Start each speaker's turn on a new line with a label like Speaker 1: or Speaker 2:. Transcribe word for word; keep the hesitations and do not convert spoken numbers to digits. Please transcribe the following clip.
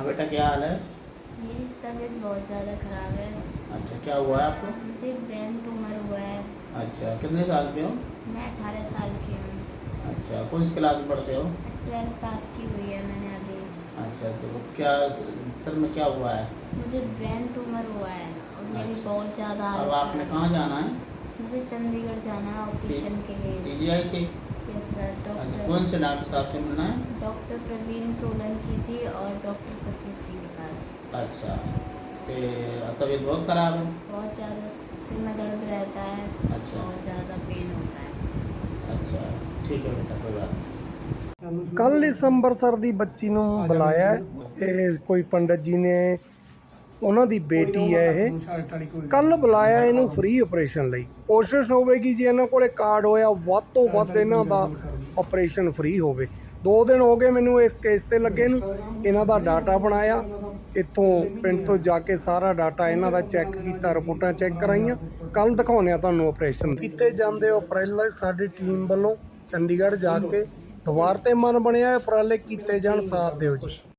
Speaker 1: बेटा क्या हाल है?
Speaker 2: मेरी तबीयत बहुत ज़्यादा ख़राब है।
Speaker 1: अच्छा, क्या हुआ है आपको?
Speaker 2: मुझे ब्रेन ट्यूमर हुआ है।
Speaker 1: अच्छा, कितने साल के हो?
Speaker 2: मैं अठारह साल की हूँ।
Speaker 1: अच्छा, कौन सी क्लास में पढ़ते हो?
Speaker 2: ट्वेल्थ पास की हुई है मैंने अभी।
Speaker 1: अच्छा, तो क्या सर में क्या हुआ है?
Speaker 2: मुझे ब्रेन ट्यूमर हुआ है और मेरी
Speaker 1: अच्छा।
Speaker 2: बहुत ज़्यादा
Speaker 1: अब
Speaker 2: हालत
Speaker 1: आपने
Speaker 2: ख़राब
Speaker 1: कहाँ
Speaker 2: है।
Speaker 1: जाना है?
Speaker 2: मुझे चंडीगढ़ जाना है ऑपरेशन के लिए।
Speaker 1: पीजीआई से?
Speaker 2: Yes sir.
Speaker 1: अच्छा,
Speaker 2: डॉक्टर
Speaker 1: कौन से डॉक्टर साहब से मिलना है?
Speaker 2: डॉक्टर प्रवीण सोलंकी जी और डॉक्टर सतीश जी के पास।
Speaker 1: अच्छा, तो तबीयत बहुत ख़राब है?
Speaker 2: बहुत ज़्यादा सिर में दर्द रहता है।
Speaker 1: अच्छा।
Speaker 2: बहुत ज़्यादा पेन होता है।
Speaker 1: अच्छा, ठीक है बेटा, कोई बात नहीं।
Speaker 3: ਕੱਲ ਇਸ ਅੰਮ੍ਰਿਤਸਰ ਦੀ ਬੱਚੀ ਨੂੰ ਬੁਲਾਇਆ ਹੈ। ਇਹ ਕੋਈ ਪੰਡਤ ਜੀ ਨੇ, ਉਹਨਾਂ ਦੀ ਬੇਟੀ ਹੈ ਇਹ। ਕੱਲ ਬੁਲਾਇਆ ਇਹਨੂੰ ਫ੍ਰੀ ਆਪਰੇਸ਼ਨ ਲਈ। ਕੋਸ਼ਿਸ਼ ਹੋਵੇਗੀ ਜੀ ਇਹਨਾਂ ਕੋਲੇ ਕਾਰਡ ਹੋਇਆ ਵੱਧ ਤੋਂ ਵੱਧ ਇਹਨਾਂ ਦਾ ਆਪਰੇਸ਼ਨ ਫ੍ਰੀ ਹੋਵੇ। ਦੋ ਦਿਨ ਹੋ ਗਏ ਮੈਨੂੰ ਇਸ ਕੇਸ ਤੇ ਲੱਗੇ ਨੂੰ। ਇਹਨਾਂ ਦਾ ਡਾਟਾ ਬਣਾਇਆ, ਇੱਥੋਂ ਪਿੰਡ ਤੋਂ ਜਾ ਕੇ ਸਾਰਾ ਡਾਟਾ ਇਹਨਾਂ ਦਾ ਚੈੱਕ ਕੀਤਾ, ਰਿਪੋਰਟਾਂ ਚੈੱਕ ਕਰਾਈਆਂ। ਕੱਲ ਦਿਖਾਉਂਦੇ ਆ ਤੁਹਾਨੂੰ ਆਪਰੇਸ਼ਨ ਕੀਤੇ ਜਾਂਦੇ ਉਪਰਾਲੇ ਸਾਡੀ ਟੀਮ ਵੱਲੋਂ ਚੰਡੀਗੜ੍ਹ ਜਾ ਕੇ। ਦੁਆਰ ਤੇ ਮਨ ਬਣਿਆ ਉਪਰਾਲੇ ਕੀਤੇ ਜਾਣ, ਸਾਥ ਦਿਓ ਜੀ।